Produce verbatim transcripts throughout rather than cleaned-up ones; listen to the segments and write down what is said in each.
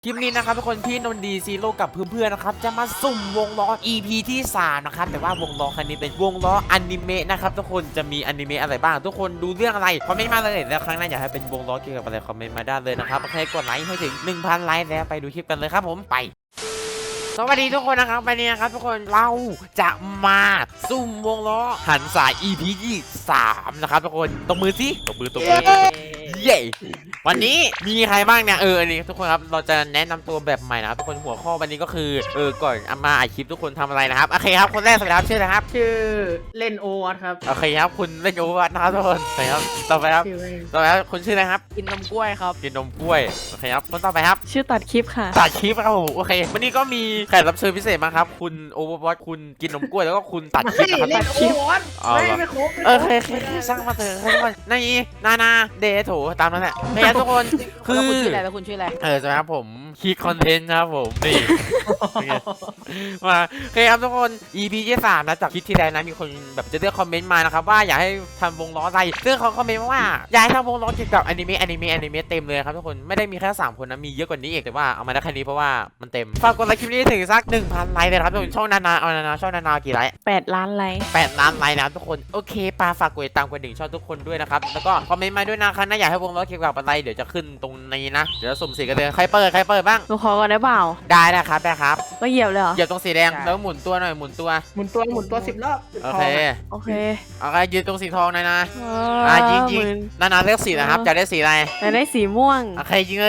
คลิปนี้นะครับทุกคนพี่นนดีซีโร่กับเพื่อนๆนะครับจะมาสุ่มวงล้อ อี พี ที่สามนะครับแต่ว่าวงล้อคันนี้เป็นวงล้ออนิเมะนะครับทุกคนจะมีอนิเมะอะไรบ้างทุกคนดูเรื่องอะไรคอมเมนต์มาเลยแล้วครั้งหน้าอยากให้เป็นวงล้อเกี่ยวกับอะไรคอมเมนต์มาได้เลยนะครับโอเคกดไลค์ให้ถึง หนึ่งพัน ไลค์แล้วไปดูคลิปกันเลยครับผมไปสวัสดีทุกคนนะครับวันนี้นะครับทุกคนเราจะมาซุ่มวงล้อหันสาย อี พี ที่สามนะครับทุกคนตบมือสิตบมือตบมือเย้วันนี้มีใครบ้างเนี่ยเอออันนี้ทุกคนครับเราจะแนะนำตัวแบบใหม่นะครับทุกคนหัวข้อวันนี้ก็คือเออก่อนมาอัดคลิปทุกคนทำอะไรนะครับโอเคครับคนแรกสวัสดีครับชื่ออะไรครับชื่อเล่นโอวัตครับโอเคครับคุณเล่นโอวัตนะครับทุกคนโอเคครับต่อไปครับชื่อเล่นต่อไปครับคุณชื่ออะไรครับกินนมกล้วยครับกินนมกล้วยโอเคครับคนต่อไปครับชื่อตัดคลิปค่ะตัดคลิปครับผมโอเควันนี้ก็มีแขกรับเชิญพิเศษมาครับคุณโอวัตคุณกินนมกล้วยแล้วก็คุณตัดคลิปนะครับเล่นตัดโอคลิปวัตอ๋อไม่ไม่ครบโอเคโอเคช่างมาเถอะทุกคนในนานาเดโถตามนั้นแหละโอเคครับทุกคนคืแล้วอคุณชื่ออะไรแล้วคุณชื่ออะไรเออใช่ครับผมคิดคอนเทนต์ครับผมนี่ มาโอเคครับทุกคน อี พี ที่สามนะจากคลิปที่แล้วนะมีคนแบบจะเลือกคอมเมนต์มานะครับว่าอยากให้ทำวงล้ออะไรซึ่งเขาคอมเมนต์มาว่าอยากให้ทำวงล้อเกี่ยวกับอนิเมะอนิเมะอนิเมะเต็มเลยครับทุกคนไม่ได้มีแค่สามคนนะมีเยอะกว่านี้อีกแต่ว่าเอามาได้แค่นี้เพราะว่ามันเต็มฝากกดไลค์คลิปนี้ถึงสัก หนึ่งพัน ไลค์เลยครับทุกคนช่องนานาเอานานาช่องนานากี่ไลค์แปด ล้านไลค์แปดล้านไลค์นะครับทุกคนโอเคปาฝากกดติดตามกดดิ่งช่องทุกคนด้วยนะครับแล้วก็คอมเมนต์มาด้วยนะครับนะอยากให้วงล้อเกี่ยวกับอะไรเดี๋ยวจะขึ้นตรงนี้นะเดี๋ยวสุ่มสีกันเลยใครเปิดใครเปิดบ้างหนูขอก่อนได้เปล่าได้นะครับได้ครับก็เหยียบเลยเหรอเหยียบตรงสีแดงแล้วหมุนตัวหน่อยหมุนตัวหมุนตัวหมุนตัวสิบรอบโอเคโอเคโอเคยืนตรงสีทองหน่อยนะเออ่ะอยิงยิงหมื่นนานาเลือกสีนะครับจะได้สีอะไรแต่ได้สีม่วงโอเคยิงเลย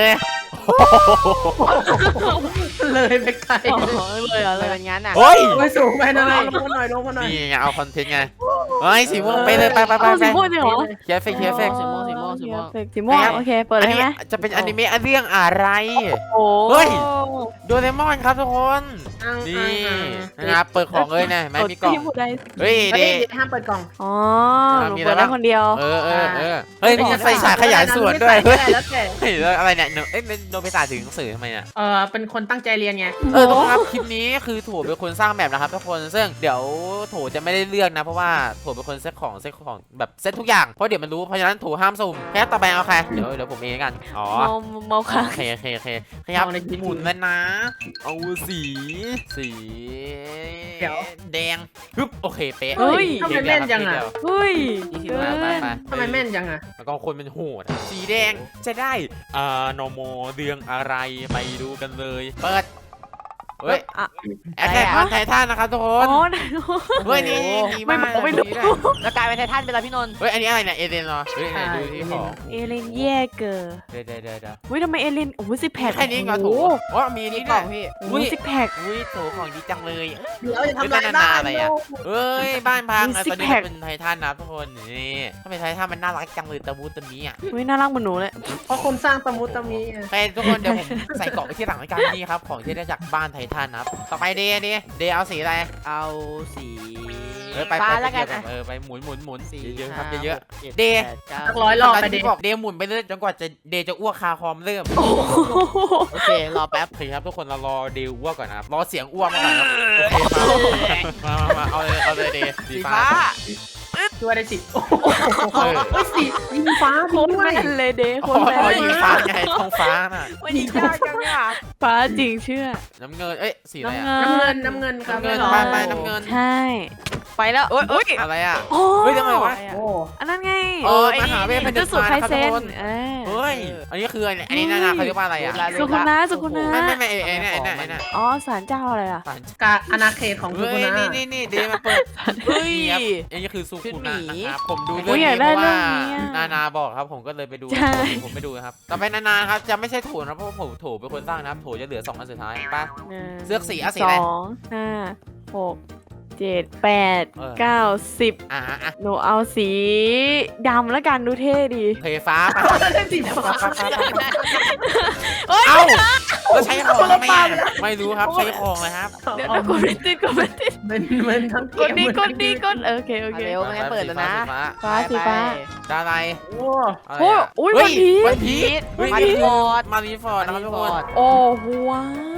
เลยไปไกลอ๋อเลยเหรออะไรเลยเป็นงั้นอ่ะเฮ้ยโอ้ยสูงไปนะลงมาหน่อยลงมาหน่อยนี่ไงเอาคอนเทนต์ไงเฮ้ยสีม่วงไปเลยไปไปไปเอาไปสีม่วงจริงเหรอเคลียร์เฟกเคลียร์เฟกสีม่วงสีม่วงสีม่วงสีม่วงโอเคเปิดอัเลยนใช่นี้ไหมจะเป็นอนิเมะเรื่องอะไรโอ้เฮ้ย โดเรมอนครับทุกคนนี่นะครับเปิดของเลยนะไม่มีกล่องที่ผู้ใดเฮ้ยเฮ้เดยห้ามเปิดกล่องอ๋ออ่ะหนูมีอะไรเปิดได้บ้างคนเดียวเออเออเออเฮ้ยมีไฟฉายขยายส่วนด้วยเฮ้เฮ้ยแล้วแต่เฮ้ยแล้วอะไรเนี่ยเอ้ยโนบิตะถึงหนังสือทำไมเนี่ยเออเป็นคนตั้งใจเรียนไงเออทุกคนครับคลิปนี้คือโถเป็นคนสร้างแบบนะครับทุกคนซึ่งเดี๋ยวโถจะไม่ได้เลือกนะเพราะว่าโถเป็นคนเซตของเซตของแบบเซตทุกอย่างเพราะเดี๋ยวมันรู้เพราะฉะนั้นโถห้ามสุ่มแค่ต่อไปเอาใครเดี๋ยวเดี๋ยวผมเองกันอ๋อเมาเมาค่ะโอเคโอเคโอเคขยับหมุนแล้วนะเอาสีสีแดงฮึบโอเคเป๊ะเฮ้ยทำไมแม่นจังอ่ะเฮ้ยไปเกิไปนไปทำไมแม่นจังอ่ะแล้วก็คนเป็นโหดสีแดงจะได้อ่านโมเรื่องอะไรไปดูกันเลยเปิดเฮ้ยอ่ะแอคแท็กออนไททันนะครับทุกคอ๋นอเฮ้ยนี่ดีมากไม่บอกไม่รู้ดีด้วยแล้วกลายเป็นไททันไปแล้วพี่นนท์เฮ้ยอันนี้อะไรเนี่ยเอเดนเหรอเฮ้ยไหนดูที่ของเอเลนแย่เกินเดี๋ยวเดี๋ยวเดี๋ยวเดี๋ยวอุ้ยทำไมเอเลนโอ้โหซิกแพคแค่นี้ก็ถูกว่ามีนี่นี่กด้ล่วอย งพี่โอ้โหซิกแพคอุ้ยโถของดีจังเลยเดี๋ยวจะทำเฮ้ลาย ยนาบ้านาอะนไรโอ่ะเฮ้ยบ้านพังมีอ่ะซิตกอนนี้แพคเป็นไททันนะทุกคนนี่ถ้าเป็นไททันมันน่ารักจังเลยตะมูตะมีอ่ะอุ้ยน่ารักเหมือนหนูเลยเพราะคนสร้างตะมุตะมีอะไปทุกคนเดี๋ยวผมใส่กล่องไปที่หลังรายการนี่ครับของที่ได้จากบ้านไททันนะครับต่อไปเดย์เดย์เดย์เอาสีอะไรเอาสีเออไปฟ้าไปแล้วกันไปอ่ะเออไปหมุนหมุนหมุนสี่เยอะๆครับห้าเยอะหกจ็เดย์แปก้าสักร้อยรอบไปที่เด็กบอกเดย์หมุนไปเรื่อยจนกว่าจะเดย์จะอ้วกคาคอมเริ่มโอ้โหโอเครอแป๊บโอเคครับทุกคนเรารอเดย์อ้วกก่อนนะครับรอเสียงอ้วกมาก่อนครับโอเคมามามาเอาเลยเอาเลยเดย์สีสีฟ้าฟ้าช่วยได้สิโอ้โหเออเฮ้ยสียิงฟ้าโคจริงตรด้วยแม่นเลยเด้โคอ๋ตรแม่อน ยิงฟ้าไงท้องฟ้าน่ะวันนี้ยากจังเนี่ยฟ้าจริงเชื่อน้ำเงินเอ้ยสีอะไรน้ำอะเงิน้ำเงินน้ำเงินครับน้ำเงินไม่หรอไปไปน้ำเงินใช่ ไปแล้วโอ้ยโอ้ยอะไรอ่ะโอ้เฮ้ยทำไมวะโอ้อันนั้นไงเออมหาเวทเป็นจุดสุดไคเซนทุกคนเออเฮ้ยอันนี้คืออันนี้นานาเขาเรียกว่าอะไรอ่ะสุขุนะสุขุนะไม่ไม่ไม่ไอ้ไอ้เนี่ยไอ้เนี่ยไอ้เนี่ยอ๋อศาลเจ้าอะไรอ่ะสารกาอาณาเขตของสุเฮ้กุยนะนี่นี่นี่เดย์มาเปิดเฮ้ยนี่ครับอันนี้คือซูคุนะนะครับผมดูโอ้เรื่อย งอยานี้กเพได้ราะว่าเรื่องนี้อะนานาบอกครับผมก็เลยไปดูใช่ผมไม่ดูนะครับต่อไปนานาครับจะไม่ใช่โถนะเพราะว่าผมโถเป็นคนสร้างนะครับโถจะเหลือสองอันสุดท้ายป่ะหนึ่งเลือกสีอ่ะสีสอะไรองห้าหกเจ็ดแปดเออเก้าสิบอ่ะอ่ะหนูเอาสีดำแล้วกันดูเท่ดีเพฟ้าไปสีฟ้าเอ้าแล้วใช้ของทำไมอ่ะไม่รู้ครับใช้ของเลยครับเดี๋ยวนะกดไม่ติดกดไม่ติดเป็นเหมือนทั้งเกกดมดีกดดีกดเออโอเคโอเคเร็วไม่งั้นเปิดแล้วนะฟ้าฟ้าสีฟ้าดาอะไรโอ้อะไรโอ้ยอ่ะอุ้ยเฮ้วันพีชวันพีชเฮ้ยมานี่รีคือฟอร์ดมารีฟอร์ดนะครับทุกคนโอ้โหว้าว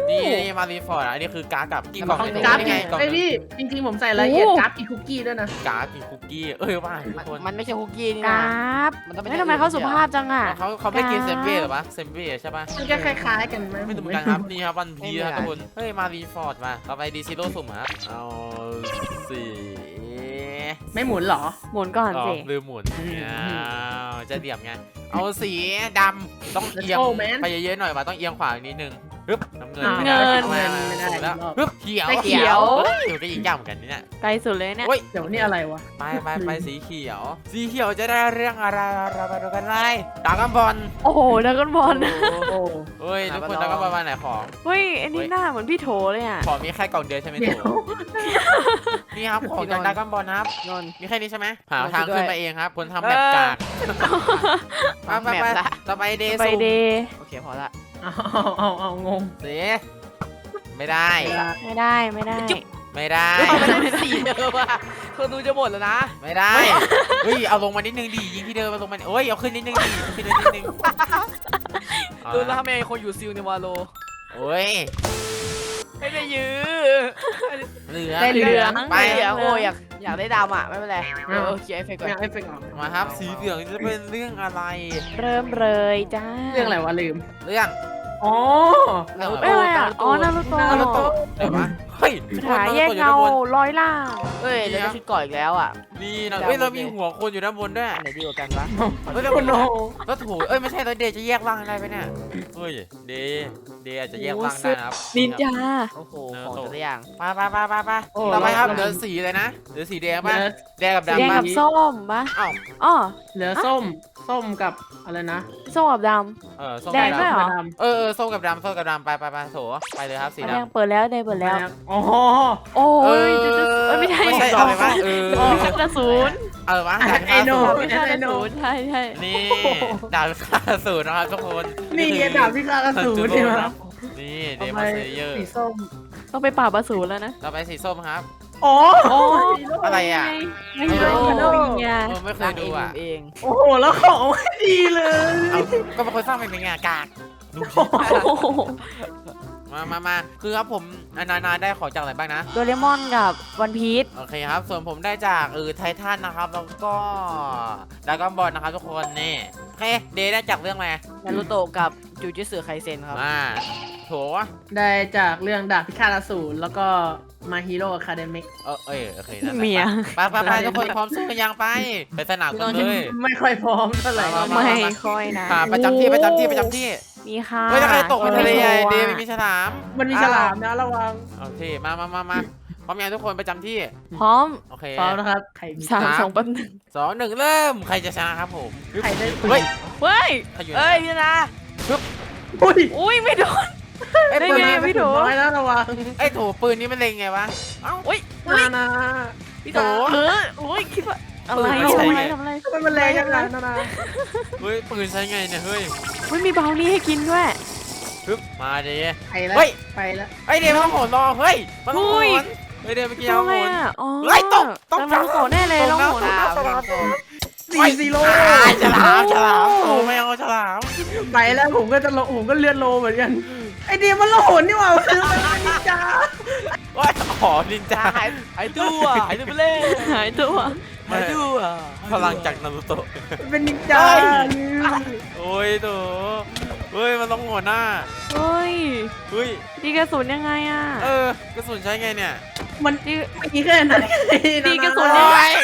นี่นี่มารีฟอร์ดอันนี้คือการ์ดกับกี่กล่องของเนี่ยกราฟนี่ไงกล่องไอ้หนึ่งพี่จริงๆผมใส่รายละเอียดกราฟอีคุกกี้ด้วยนะการ์ดกี่คุกกี้เอ้ยว่าทุกคนมันไม่ใช่คุกกี้นี่กนะราฟมันต้องเป็นไม่ทำไมเขาสุภาพจังอ่ะเขาเขาไม่กินเซมเบ้หรอปะเซมเบ้ใช่ปะมันก็คล้ายๆกันไหมไม่ถูกกันครับนี่ครับวันพีครับทุกคนเฮ้ยมารีฟอร์ดมาต่อไปดีซิโร่สุ่มครับเอาสี่ไม่หมุนเหรอหมุนก่อนอ๋อสิลืมหมุนอ้าวจะเดี่ยมไงเอาสีดำต้องเอียง Let's go, man ไปเยอะๆหน่อยว่ะต้องเอียงขวานิดนึงฮึบน้ำเงินอ่าไม่ได้เงินไม่ได้ไม่ได้แล้วรอบฮึบเขียวไปเขียวเฮ้ยเขียวก็ยิงยากเหมือนกันเนี่ยไกลสุดเลยเนี่ยโอ้ยเดี๋ยวนี่อะไรวะไปไปไปสีเขียว สีเขียวจะได้เรื่องอะไรเราไปดูกันเลยดราก้อนบอลโอ้โหดราก้อนบอลโอ้เฮ้ยทุกคนดราก้อนบอลมาไหนของเฮ้ย อันนี้หน้าเหมือนพี่โถเลยอ่ะของมีแค่กล่องเดียวใช่ไหมเดี๋ถูยวนี่ครับของจากดราก้อนบอลนะครับนนท์มีแค่นี้ใช่ไหมหามาทางช่วยด้วยขึ้นมาเองครับคนทำแบบกากไปไปแมไปปละต่อไปเดย์ไปซูเดย์โอเคพอละเอาเอาเอางงสีไม่ได้ไม่ได้ไม่ได้ไม่ได้เอาไม่ได้สีเดิมอ่ะคนดูจะหมดแล้วนะไม่ได้เฮ้ยเอาลงมานิดนึงดิยิงที่เดิมมาลงมาโอ้ยเอาขึ้นนิดนึงดิขึ้นนิดนึงดูแล้วทำไมคนอยู่ซิลในวาโลโอ้ยไม่ได้ยื้อเหลือได้เหลืองไปไม่อยากโอ้ยอยากอยากได้ดำอ่ะไม่เป็นไรเออเคลียร์เอฟเฟกต์ก่อไม่นเอาเอฟเฟกต์ออกมาครับสีเหลืองจะเป็นเรื่องอะไรเริ่มเลยจ้าเรื่องอะไรวะลืมเรื่องอ๋อเรื่องไม่อะไรอ่ะ อ๋อนารูโตนารูโตะเดี๋ยววะเฮ้ยคาถาแยกเงาร้อยล่างเอ้ยแล้วได้ชุดก่อนอีกแล้วอ่ะนี่นะเฮ้ยเรามีหัวคนอยู่ด้านบนด้วยอันไหนดีกว่ากันวะเฮ้ยแล้วโอ้โนแล้วถูเอ้ยไม่ใช่แล้วเดย์จะแยกร่างได้ไหมเนี่ยเฮ้ยเดย์เดย์อาจจะแยกร่างได้นะครับนินจาโอ้โหของแต่ละอย่างไปไปไปไปไปโอ้ต่อไปครับเราเหลือสีเลยนะเหลือสีแดงเหลืป่ะอแดงกับแดงดำป่ะกับส้มปะอ้าวอ๋อเหลือส้ม ส้มกับอะไรนะส้มกับดเออส้มแดงกับด้วยเหรอดำเออเออส้มกับดำส้มกับดำไปไปไปโถไปเลยครับำสีแดงดำเปิดแล้วแดงเปิดแล้วอ๋อโอ้เอยจะจะเอ้ยไม่ใช่ไม่ใช่หรอะไรวะเออพิฆาตศูนย์เออวะไอโน่พิฆาตศูนย์ใช่ใช่นี่ดาวค่าศูนย์นะครับทุกคนนี่ไงดาบพิฆาตอสูรใช่ไหมครับนี่เดทำมไมอนเซเยอร์สีส้มต้องไปปราบอสูรแล้วนะต่อไปสีส้มครับอ๋อโอ้อะไรอ่ะไม่ใช่โอ้ฮีโร่ไงเออไม่เคยดูอ่ะเองโอ้โห แล้วของไม่ดีเลยเอาก็เป็นคนสร้างเป็นไงกากดูโอ้โหมามามาคือครับผมนานาได้ของจากอะไรบ้างนะโดเรมอนกับวันพีชโอเคครับ ส่วนผมได้จากเออไททันนะครับ แล้วก็ดราก้อนบอลนะครับทุกคนนี่โอเคเดย์ได้จากเรื่องอะไรนารูโตะกับจูจิสึไคเซ็นครับมาโถได้จากเรื่องดาบพิฆาตอสูรแล้วก็มาฮีโร่อะคาเดมิกเออเออโอเคนั่นแหละเมียไปไปไปทุกคนพร้อมสู้กันยังไปไปสนามกันเลยไม่ค่อยพร้อมเท่าไหร่มามาไม่ค่อยนะค่ะประจำที่ประจำที่ประจำที่มีค่ะเฮ้ยถ้าใครตกเป็นทะเลไงเดย์โไม่มีฉลามมันมีฉลามนะระวังโอเคมามามามาพร้อมยังทุกคนประจำที่พร้อมโอเคพร้อมนะครับใครมีสามสองแป๊บหนึงสองหนึ่งเริ่มใครจะชนะครับผมใครได้เฮ้ยเฮ้ยใครอยู่เอ้ยพี่นะอุ้ยอุ้ยไม่โดนไอ้ได้ปืนไงมาพี่โถน้อยแล้วระวังไอ้โถปืนนี้มันเล็งไงวะเอ้าอุ้ยนานาพี่โตเอออุ้ยคิดว่าอะไรเออทำใช่อะไรไงทำอะไรทำไมมันแรงจังเลยนานาเฮ้ยปืนใช้ไงเนี่ยเฮ้ยอุ้ยมีเบานี่ให้กินด้วยปึ๊บมาดิไปแล้วเฮ้ยไปแล้วไอ้เดย์มันต้องโหนรอเฮ้ยมันต้องโหอุ้ยนเฮ้ยเดย์เมื่อกี้ทำเอาไงโหนอ่ะอ๋อเฮ้ยตกตกแต่มันโตแน่เลยตกลองนะโหนตกอ่ะนะฉลามสี่ซีโร่ไอ้ฉลามฉลามโอ้ไม่เอาฉลามไปแล้วผมก็จะโลผมก็เลื่อนโลเหมือนกันไอเดียมันโลหนนี่หว่ามันคือมันนินจาโอ้ยอ๋อนินจาหายหายตัวหายตัวไปเลยหายตัวหายตัวพลังจากนารูโตะมันเป็นนินจาลืมโอ้ยโถเฮ้ยมันต้องโหนหน้าเฮ้ยเฮ้ยดีกระสุนยังไงอ่ะเออกระสุนใช้ไงเนี่ยมันดีไม่มีแค่นั้นตีกระสุนโอ้ย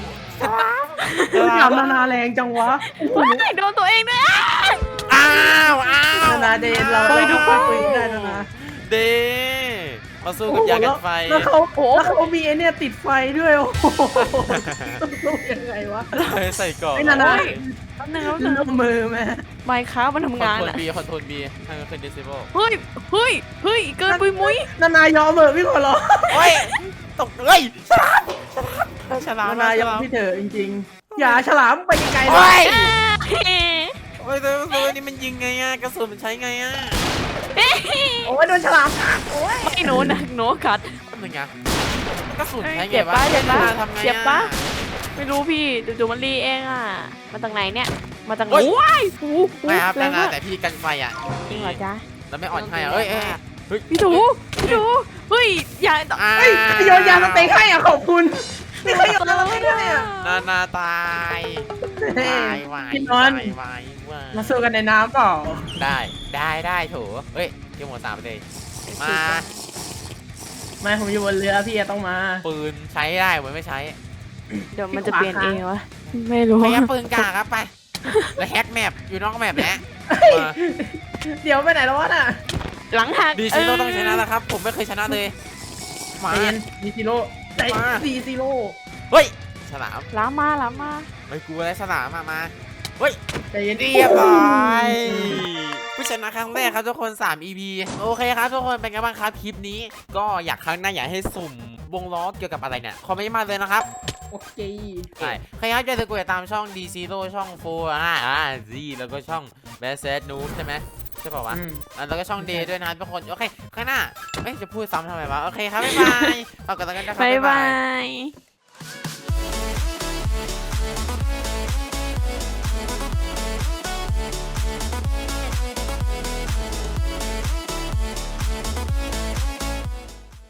ถามนานาแรงจังวะว้ายโดนตัวเองด้วยอ่ะอ้าวอ้าวนานาเดนเราเฮ้ยทุกคนคุยได้นานาเดมาสู้กับยากันไฟแล้วเขาแล้วเขามีไอเนี่ยติดไฟด้วยโอ้โหต้องสู้ยังไงวะเฮ้ยใส่ก่อนไอ้นานาแป๊บนึงแล้วนึงเริ่มมือแม่ไมค์ค้ามันทำงานคอนโทรลอ่ะบีคอนโทรลบีให้มันขึ้นดิสเบลเฮ้ยเฮ้ยเฮ้ยเกินปุยมุ้ยนานายอมเหอะพี่ขอร้องโอ้ยตกเฮ้ยฉลามฉลามนานายอมพี่เถอะจริงๆอย่าฉลามไปไกลๆโอ้นะยอ่าโอ้ยตัวตัวนี้มันยิงไงอ่ะกระสุนมันใช้ไงอ่ะโอ้ยโดนฉลามกัดโอ้ยไม่หนูนะหนูกัดทำไงอ่ะกระสุนใช้ไงเจ็บวะปะเจ็บปะทำไงเจ็บปะอ่ะไม่รู้พี่จู่ๆมันรีเองอ่ะ มาจากไหนเนี่ย มาจากไหนโอ๊ยว้ายโอ้โหไม่ครับแรนาง นามากแต่พี่กันไฟอ่ะจริงเหรอจ๊ะแล้วไม่อ่อนให้อ่ะเอ้ยเอ้ยเฮ้ยพี่ถูพี่ถูเฮ้ยอย่าอ่าเฮ้ยโยนยาสเต็กให้อ่ะขอบคุณนี่เขาโยนยาสเต็กให้อ่ะนานาตายตายวายพี่นอนวายวายวายมาสู้กันในน้ำเปล่าได้ได้ได้โถเฮ้ยเกี่ยวหมดสามไปเลยมาไม่ผมอยู่บนเรือพี่อะต้องมาปืนใช้ได้เหมือนไม่ใช้เดี๋ยวมันจะเปลี่ยนเองวะไม่รู้พยายามปืนกลางครับไปแล้วแฮกแมปอยู่นอกแมปแล้วมาเดี๋ยวไปไหนแล้ววะน่ะหลังหักดีซิโร่ต้องชนะแล้วครับ ผมไม่เคยชนะเลยมาใจเย็นดีซีโร่ใจมาดีซีโร่เฮ้ยฉลามล้างมาล้างมาไม่กลัวอะไรฉลามมามาเฮ้ยใจเย็นเรียบร้อยผู้ชนะครั้งแรกครับทุกคนสาม อี พี โอเคครับทุกคนเป็นไงบ้างครับคลิปนี้ ก็อยากครั้งหน้าอยากให้สุ่มวงล้อเกี่ยวกับอะไรเนี่ยคอมเมนต์มาเลยนะครับโอเคใช่ใครครับจะกดติดตามช่อง D Zero ช่องโฟร์อ่าอ่า Z แล้วก็ช่อง b a s e t Noob ใช่ไหมใช่ป่าวะอืมอ่ะแล้วก็ช่อง D ด้วยนะครับทุกคนโอเคข้างหน้าเอ้ยจะพูดซ้ำทำไมวะโอเคครับบ๊ายบายฝากกดติดตามกันนะครับบ๊ายบาบ๊ายบายย